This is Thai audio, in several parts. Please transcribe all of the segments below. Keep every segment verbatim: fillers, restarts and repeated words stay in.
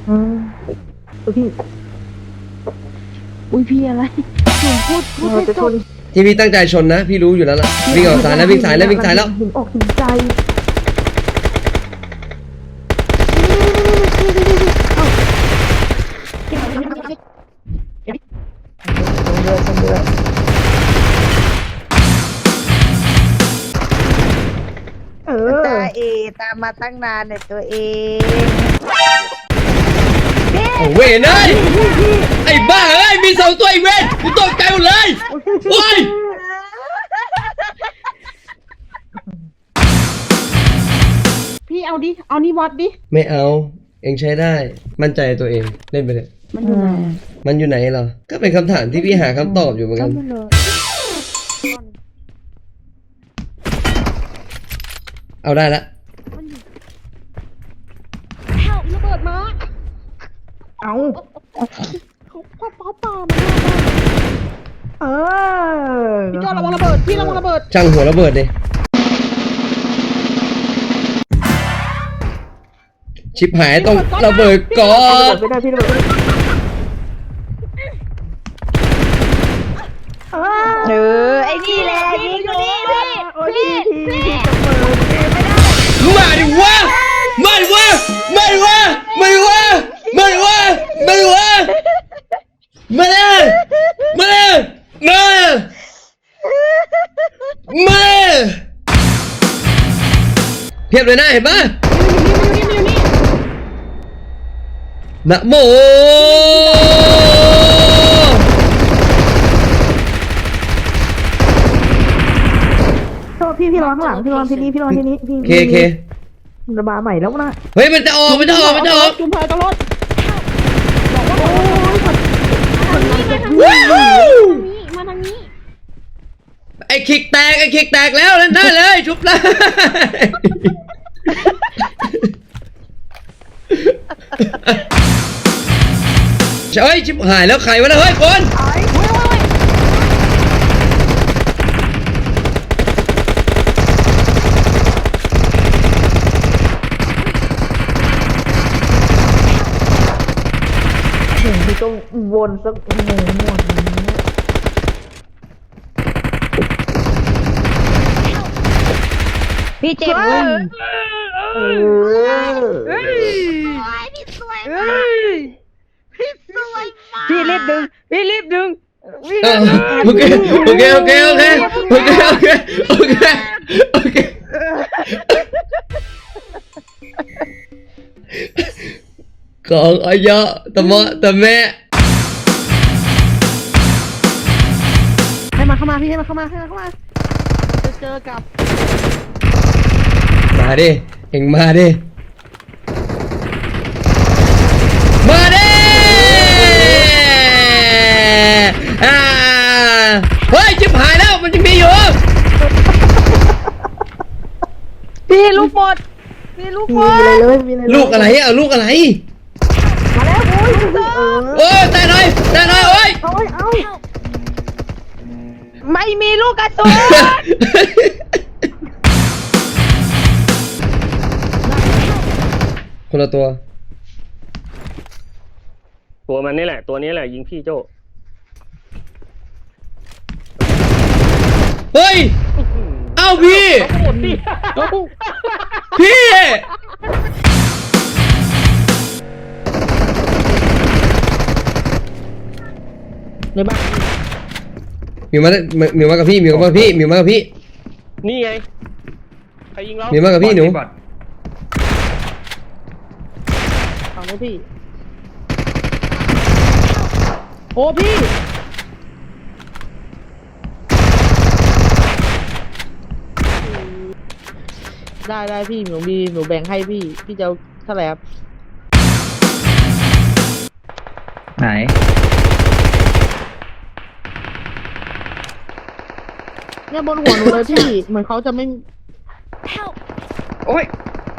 อืมพี่อุ้ยพี่อะไรหนูพูดพูดให้จบที่พี่ตั้งใจชนนะพี่รู้อยู่แล้วล่ะวิ่งออกสายแล้ววิ่งสายแล้ววิ่งสายแล้วถึงออกถึงใจเออตาเอตามมาตั้งนานเนี่ยตัวเองโอ้เว้ยเอ้ยไอ้บ้าเอ้ยมีสองตัวไอ้เว้ยกูตกใจหมดเลยโอ้ยพี่เอาดิเอานี่วัดดิไม่เอาเองใช้ได้มั่นใจตัวเองเล่นไปเลยมันอยู่ไหนมันอยู่ไหนเหรอก็เป็นคำถามที่พี่หาคำตอบอยู่เหมือนกันเอาได้ละระเบิดมาเอาเขาพ่อป้าป่ามาเออพี่จอระวังระเบิดพี่ระวังระเบิดช่างหัวระเบิดดิชิบหายต้องระเบิดก่อนไม่ได้พี่ระเบิดเออไอ้นี่แหละยิงอยู่นี่พี่พี่พี่มาดิวะมาดิวะมาดิวะมาดิวะมาดิวะมาดิวะมาเลยมาเลยมามาเพียบเลยนะเห็นปะนะโมพี่พี่รอข้างหลังพี่รอที่นี่พี่รอที่นี่พี่เคเคระบาใหม่แล้วนะเฮ้ยมันจะออกมันจะออกมันจะออกจุ่มเพลตลอดมาทางนี้ไอ้คิกแตกไอ้คิกแตกแล้วนั่นได้เลยชุบเลยเฮ้ยชิบหายแล้วใครวะเนี่ยเฮ้ยคนพี่ก็วนสักโอ้โหหมดพี่เจ็บเลยเออพี่สวยมากพี่สวยมากพี่รีบดึงพี่รีบดึงโอเคโอเคโอเคโอเคโอเคโอเคโอเคโอเคของอายะตะมะตะแม่ให้มาเข้ามาพี่ให้มาเข้ามาให้มาเข้ามาจะเจอกับมาดิเอ็งมาดิมาดิอ่าเฮ้ยจิบหายแล้วมันจะมีอยู่พี่ลูกหมดพี่ลูกหมดลูกอะไรอ่ะลูกอะไรมาแล้วโอ้ยโอ้ยแต่หน่อยแต่หน่อยโอ้ยเอาเอาไม่มีลูกกระสุนคนละตัวตัวมันนี่แหละตัวนี้แหละยิงพี่โจเฮ้ยเอ้าพี่พี่ในบ้านมิวมามิวมากับพี่มิวมากับพี่มิวมากับพี่นี่ไงใครยิงเรามิวมากับพี่หนูเอาเลยพี่โอ้พี่ได้ได้พี่หนูมีหนูแบ่งให้พี่พี่จะเท่าไหร่ครับไหนเนี่ยบนหัวหนูเลยพี่เหมือนเขาจะไม่โอ้ย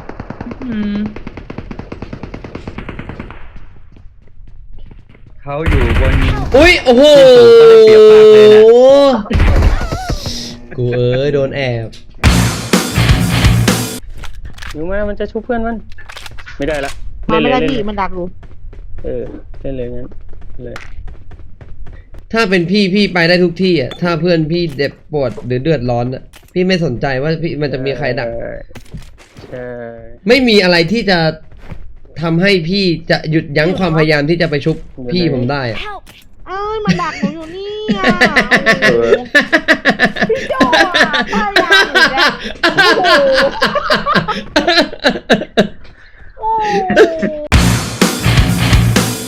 เขาอยู่บนอุ้ยโอ้โหกูเอ้ยโดนแอบอยู่มามันจะชุบเพื่อนมันไม่ได้ละมาไม่ได้พี่มันดักอยู่เออเล่นเลยงั้นเลยถ้าเป็นพี่พี่ไปได้ทุกที่อ่ะถ้าเพื่อนพี่เจ็บปวดหรือเดือดร้อนอ่ะพี่ไม่สนใจว่าพี่มันจะมีใครดักใช่ไม่มีอะไรที่จะทำให้พี่จะหยุดยั้งความพยายามที่จะไปชุบพี่ผมได้อะ Help! เอ้ยมันดักหนูอยู่นี่อ่ะโอ้โหพี่โจอ่ะพยายามอยู่แล้วโอ้โหโอ้โห